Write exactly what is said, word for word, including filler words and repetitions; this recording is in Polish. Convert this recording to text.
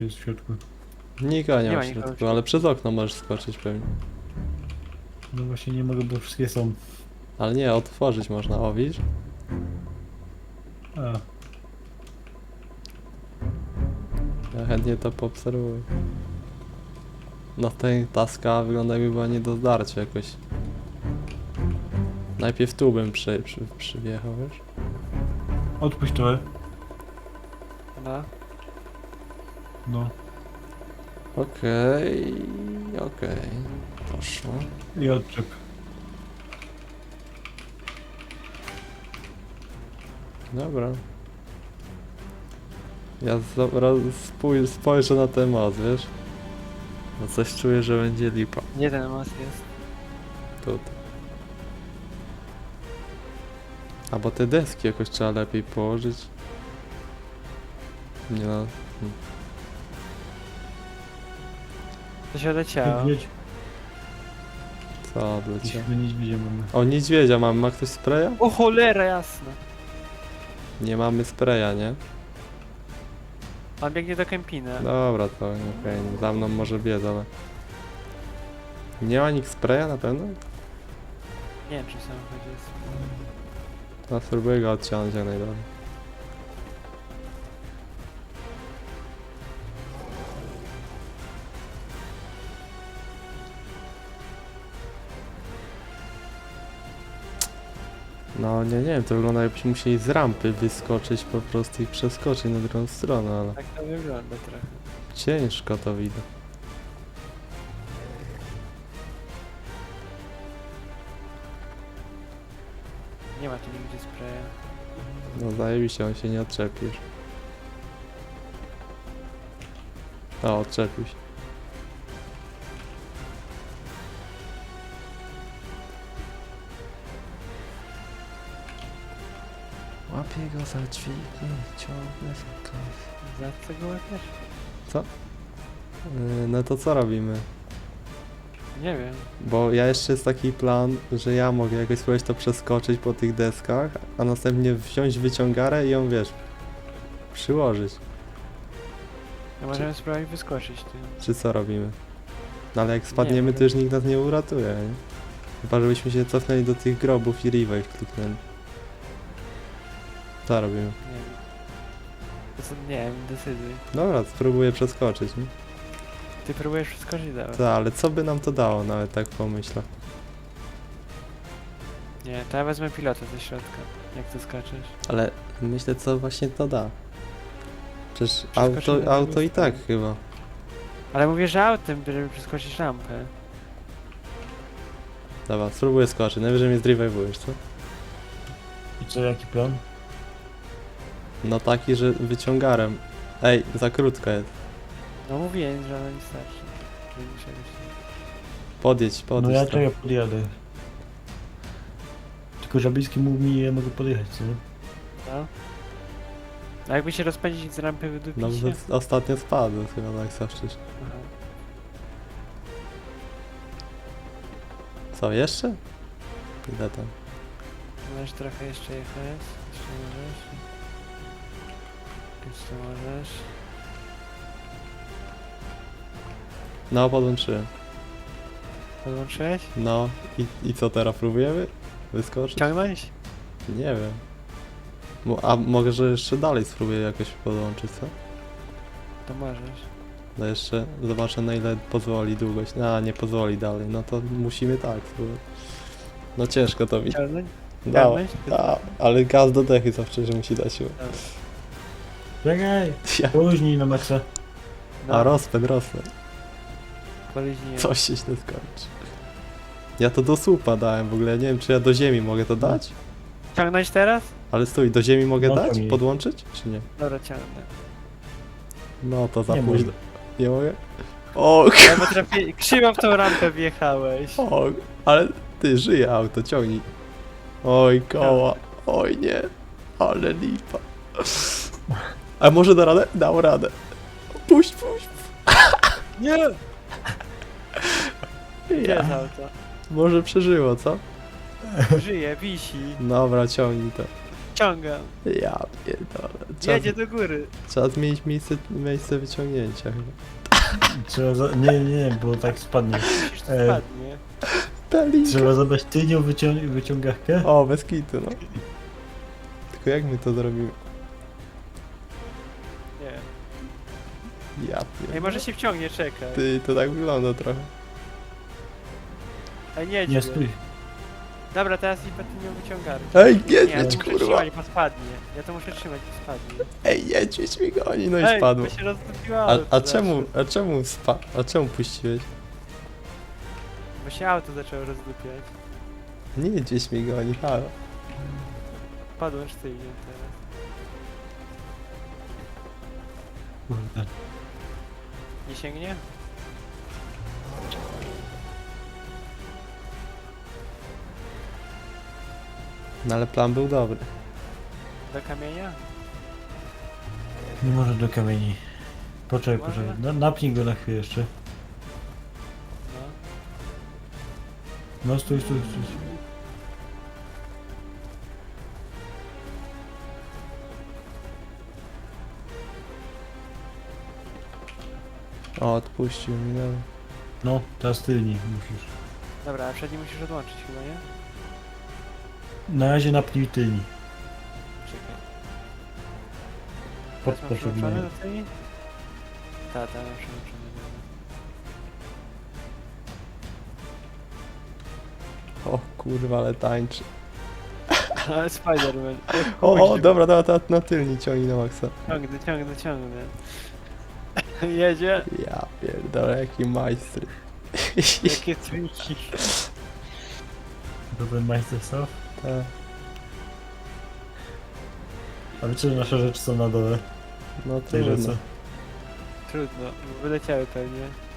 Jest w środku. Nikogo nie, Nie ma ma w nikogo w środku, środku. ale przez okno możesz skoczyć pewnie. No właśnie nie mogę, bo wszystkie są. Ale nie, otworzyć można, o widzisz? A, Ja chętnie to poobserwuję. No ten taska wygląda jakby była nie do zdarcia jakoś. Najpierw tu bym przy, przy, przyjechał, wiesz? odpuść trochę. No. No. Okej, okej. Poszło. I odczep. Dobra. Ja zaraz spój- spojrzę na ten most, wiesz? Bo coś czuję, że będzie lipa. Gdzie ten most jest? Tutaj. Albo te deski jakoś trzeba lepiej położyć. Nie no. To się odleciało. Niedźwiedź. Co odleciał? Dzisiaj niedźwiedzia mamy. O, niedźwiedzia mamy. Ma ktoś spraya? O cholera jasna. Nie mamy spraya, nie? On biegnie do kempina. Dobra, to okej. Za mną może biec, ale... Nie ma nikt spraya na pewno? Nie wiem czy w samochodzie jest. No spróbuję go odciąć jak najdalej. No nie, nie wiem, to wygląda jakbyśmy musieli z rampy wyskoczyć po prostu i przeskoczyć na drugą stronę, ale Tak to wygląda trochę. ciężko to widzę. Nie ma tu nigdzie spraya. No zajebiście, on się nie odczepi już. O, odczepił się. Łapię go za dźwignię, ciągle skaz. Za co go łapiesz? Yy, no to co robimy? Nie wiem. Bo ja jeszcze jest taki plan, że ja mogę jakoś spróbować to przeskoczyć po tych deskach, a następnie wziąć wyciągarę i ją, wiesz, przyłożyć. No możemy spróbować wyskoczyć tym. Czy co robimy? No ale jak spadniemy, Nie, to już nikt nas nie uratuje, nie? Chyba żebyśmy się cofnęli do tych grobów i revive kliknęli. Co robimy? Nie wiem. To co, nie wiem, decyduj. Dobra, spróbuję przeskoczyć, nie? Ty próbujesz przeskoczyć dalej. Tak, ale co by nam to dało, nawet tak pomyślę. Nie, to ja wezmę pilota ze środka. Jak ty skaczesz? Ale myślę, co właśnie to da. Przecież Przeskoczymy auto, na drugą auto i tak stronę. chyba. Ale mówię, że autem, żeby przeskoczyć rampę. Dobra, spróbuję skoczyć, najwyżej mnie zrewivujesz, co? I co, jaki plan? No taki, że wyciągarem. Ej, za krótko jest. No mówiłem, że ona nie starczy. Że czegoś nie. Podjedź, No podjedź. ja tam. czekaj, podjadę. Tylko Żabiński mówi mi, ja mogę podjechać, co nie? No. A jakby się rozpędzić z rampy wydupić No się? bo ostatnio spadł chyba tak zawsze. Aha. Co, jeszcze? Ile tam? Możesz trochę jeszcze jechać. Jeszcze możesz. Jeszcze możesz. No, podłączyłem. Podłączyłeś? No, i, i co teraz, próbujemy? Wyskoczyć? Ciągnąć? Nie wiem. Mo- A może jeszcze dalej spróbuję jakoś podłączyć, co? To możesz. No jeszcze zobaczę na ile pozwoli długość. A, nie pozwoli dalej, no to musimy tak spróbować. No ciężko to widzieć. Ciągnąć? No, Ciągnąć? a, ale gaz do dechy zawsze, że musi dać siłę. Czekaj! Ja, Poluźnij na maksa. No, a rozpęd, rozpęd. poliźniłem. Coś się źle skończy. Ja to do słupa dałem w ogóle, nie wiem czy ja do ziemi mogę to dać? Ciągnąć teraz? Ale stój, do ziemi mogę No, dać? ciągnij. Podłączyć? Czy nie? Dobra, ciągnę. No to za Nie późno. można. Nie mogę? O, Ja potrafię... Krzywo w tą rampę wjechałeś. o, ale ty, żyje auto, ciągnij. Oj, koła. Oj nie. Ale lipa. A może da radę? Dał radę. Puść, puść. Nie! Gdzie Ja. jest auto? Może przeżyło, co? Żyje, wisi. Dobra, ciągnij to. wyciągam. Ja pierdolę. Trzeba, Jedzie do góry. trzeba zmienić miejsce, miejsce wyciągnięcia chyba. Trzeba za... Nie, nie, nie, bo tak spadnie. Musisz to E. spadnie. Pelinka. Trzeba zabrać tylnią wycią... wyciągawkę. O, bez kitu, no. Tylko jak my to zrobimy? Nie. Ja Ej, pierdolę. może się wciągnie, czekaj. Ty, to tak wygląda trochę. Ej, nie Nie, stój. Dobra, teraz i będę miał wyciągarkę. Ej, Nie, jedź, ja to muszę kurwa. trzymać, bo spadnie. Ja to muszę trzymać, bo spadnie. Ej, jedź, jedź mi goni, no i Ej, spadło. bo się roztopiło A, auto a czemu, zawsze. a czemu spa, a czemu puściłeś? Bo się auto zaczęło rozdupiać. Nie gdzieś mi goni, halo. Padłem sztywnie teraz. Kurde. Nie sięgnie? No ale plan był dobry. Do kamienia? Nie może do kamieni. Poczekaj, Może? poczekaj. Na, napnij go na chwilę jeszcze. No. No stój, stój, stój. O, odpuścił mi, no. No, teraz tylni musisz. Dobra, a przedni musisz odłączyć chyba, nie? Na razie napnij tylni. Czekaj. Pod Teraz mam potrzebne. przyłączony do tej? Tak, tak, mam przyłączony. O kurwa, ale tańczy. Ale Spider-Man. O, o dobra, dobra, to na tylni ciągnij na maksa. Ciągnę, ciągnę, ciągnę. Jedzie. Ja pierdolę, jaki majstry. Jakie triki. To ten majster co? Tak. A wiecie, że nasze rzeczy są na dole No w tej trudno. rzece. Trudno, wyleciały pewnie.